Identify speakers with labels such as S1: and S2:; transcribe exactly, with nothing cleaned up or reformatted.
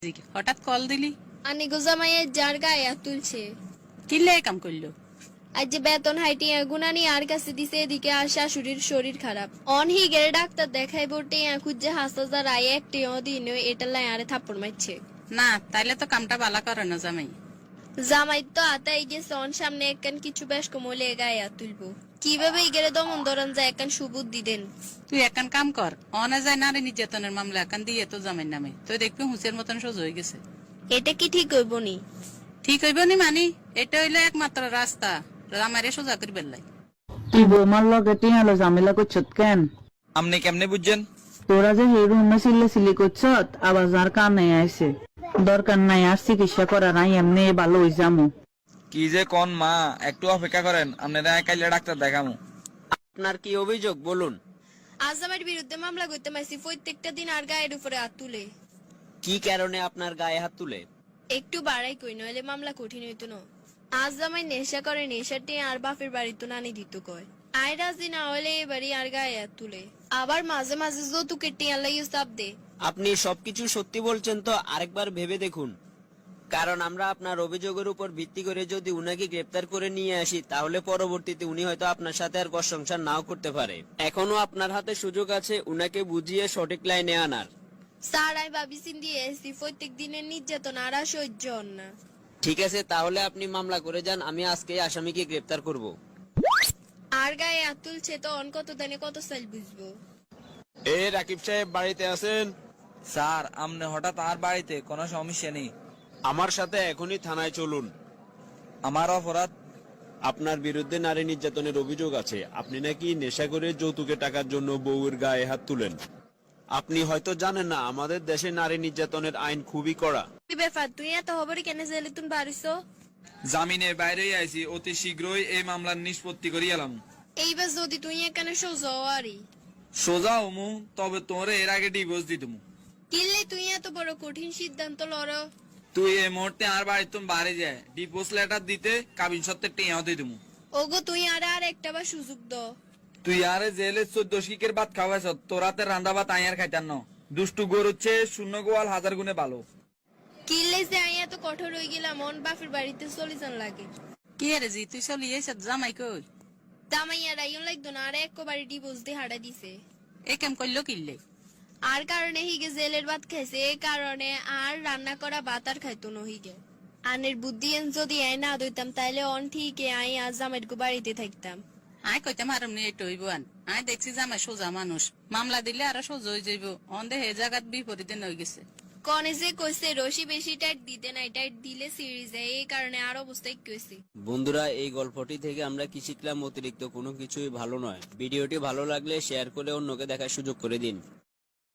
S1: হঠাৎ কল দিলি?
S2: আনি গোজামাইয়ের যার গায়ে হাত তুলছে।
S1: কিল্লে কাম করলো?
S2: আজ যে বেতন হাইটিয়া গুনানি আর কাছে দিছে, এদিকে আর শাশুড়ির শরীর খারাপ। অন হি গেলে ডাক্তার দেখাই বটে খুঁজে হাসতা রায় একটি দিন এটা লাই আরে থাপ্পড় মারছে।
S1: না তাইলে তো কামটা বালা করে না জামাই।
S2: জামাই তো আতাই গেছে অন সামনে একখান কিছু বেশ কমলে গায়ে হাত তুলবো কিভাবে গেলে দমন ধরন যায় একখান সুবুদ্ধি দেন।
S1: তুই একান কাম কর, অনে যায় নারী নির্যাতনের মামলা একান দিয়ে তো জামাইর নামে, তুই দেখবি হুঁচের মতন সোজ হয়ে গেছে।
S2: এটা কি ঠিক হইব নি?
S1: ঠিক হইব নি মানি, এটা হইলো একমাত্র রাস্তা জামাইরে সোজা করি বেললাই।
S3: তুই বৌমার লগে টিয়ালো ঝামেলা করছত কেন?
S4: আপনি কেমনে বুঝছেন?
S3: তোরা যে এই রুমে সিল্লে সিলি করছত আবার যার কানে আইছে, দরকার নাই আর চিকিৎসা করা নাই, এমনি ভালো হই যামু।
S4: কি যে কোন মা, একটু অপেক্ষা করেন, আপনারা কাইলে ডাক্তার দেখামু।
S5: আপনার কি অভিযোগ বলুন?
S2: আজ আমার বিরুদ্ধে মামলা করতে মাইছি প্রত্যেকটা দিন আর গায়ের উপরে হাত তুলে।
S5: কি কারণে আপনার গায়ে হাত তুলে?
S2: একটু বাড়াই কই নইলে মামলা কঠিন হইতো না। আজ জামাই নেশা করে, নেশাটি আর বাপের বাড়ি তো নানি দিত কয়। আয় রাজি না হলে এবারই আর গায়ে হাত তুলে, আবার মাঝে মাঝে যৌতুকের টিয়া লাগিয়ে চাপ দে।
S5: আপনি সবকিছু সত্যি বলছেন তো আরেকবার ভেবে দেখুন, কারণ আমরা আপনার অভিযোগের উপর ভিত্তি করে যদি উনাকে গ্রেফতার করে নিয়ে আসি তাহলে পরবর্তীতে উনি হয়তো আপনার সাথে আর ঘর সংসার নাও করতে পারে। এখনো আপনার হাতে সুযোগ আছে উনাকে বুঝিয়ে সঠিক লাইনে আনার।
S2: স্যার আমি ভাবি চিন্তি এসি প্রত্যেক দিনের নির্যাতন আর আর সহ্য হন না।
S5: ঠিক আছে, তাহলে আপনি মামলা করে যান, আমি আজকে আসামিকে গ্রেফতার করব।
S2: আর গায়ে হাত তুলছে তো অন কত দানে কত সাল বুঝবো।
S6: এ রাকিব সাহেব বাড়িতে আছেন?
S4: স্যার আপনি হঠাৎ আর বাড়িতে, কোনো সমস্যা নেই।
S6: আমার সাথে এখনই থানায় চলুন।
S4: আমার অপরাধ?
S6: আপনার বিরুদ্ধে নারী নির্যাতনের অভিযোগ আছে। আপনি নাকি নেশা করে যৌতুকে টাকার জন্য বউয়ের গায়ে হাত তুলেন। আপনি হয়তো জানেন না আমাদের দেশে নারী নির্যাতনের আইন খুবই কড়া।
S2: কি ব্যাপার, তুই এত খবরে কেন জেলে তুন বাড়িছো?
S4: জামিনের বাইরেই আইছি, অতি শীঘ্রই এই মামলার নিষ্পত্তি করি এলাম।
S2: এইবার যদি তুই এখানে সোজা আরি
S4: সোজা হমু, তবে তোরে এর আগে ডিভোর্স দিতমু।
S2: কিনলে তুই এত বড় কঠিন সিদ্ধান্ত লড়।
S4: তুই এই মুহূর্তে আর বাড়ি তুমি বাড়ি যায় ডিভোর্স লেটার দিতে কাবিন সত্ত্বের টিয়াও দিয়ে দিমু।
S2: ওগো তুই আর আর একটা বার সুযোগ দ।
S4: তুই আরে জেলে চোদ্দ শিকের ভাত খাওয়াইছ, তোরাতে রান্দা ভাত আইয়ার খাইতান ন। দুষ্টু গরুচ্ছে শূন্য গোয়াল হাজার গুণে ভালো।
S2: কিনলে যে আই এত কঠোর হয়ে গেলাম মন বাপের বাড়িতে চলে যান লাগে।
S1: কি রে জি তুই চলি এসে জামাই কই?
S2: জামাইয়া রাইন লাগতো না আর এক বাড়ি ডিভোর্স দিয়ে হাড়া দিছে।
S1: এ কাম করলো কিল্লে?
S2: আর কারণে হিগে জেলের ভাত খাইছে, এই কারণে আর রান্না করা ভাত আর খাইতো না হিগে। আনের বুদ্ধি এন যদি আই না দইতাম তাইলে অন ঠিকই আই আজ জামাইর গো বাড়িতে থাকতাম।
S1: আয় কইতাম আরাম নিয়ে একটু হইব আন। আয় দেখছি জামাই সোজা মানুষ, মামলা দিলে আরো সোজা হয়ে যাইব। অন্ধে হে জায়গাত বিপরীতে নই গেছে।
S2: কনে যে কইছে রশি বেশি টাইট দিতে নাই, টাইট দিলে সিঁড়ি যায়, এই কারণে আর অবস্থা কইছে।
S5: বন্ধুরা, এই গল্পটি থেকে আমরা কি শিখলাম? অতিরিক্ত কোনো কিছুই ভালো নয়। ভিডিওটি ভালো লাগলে শেয়ার করে অন্যকে দেখার সুযোগ করে দিন।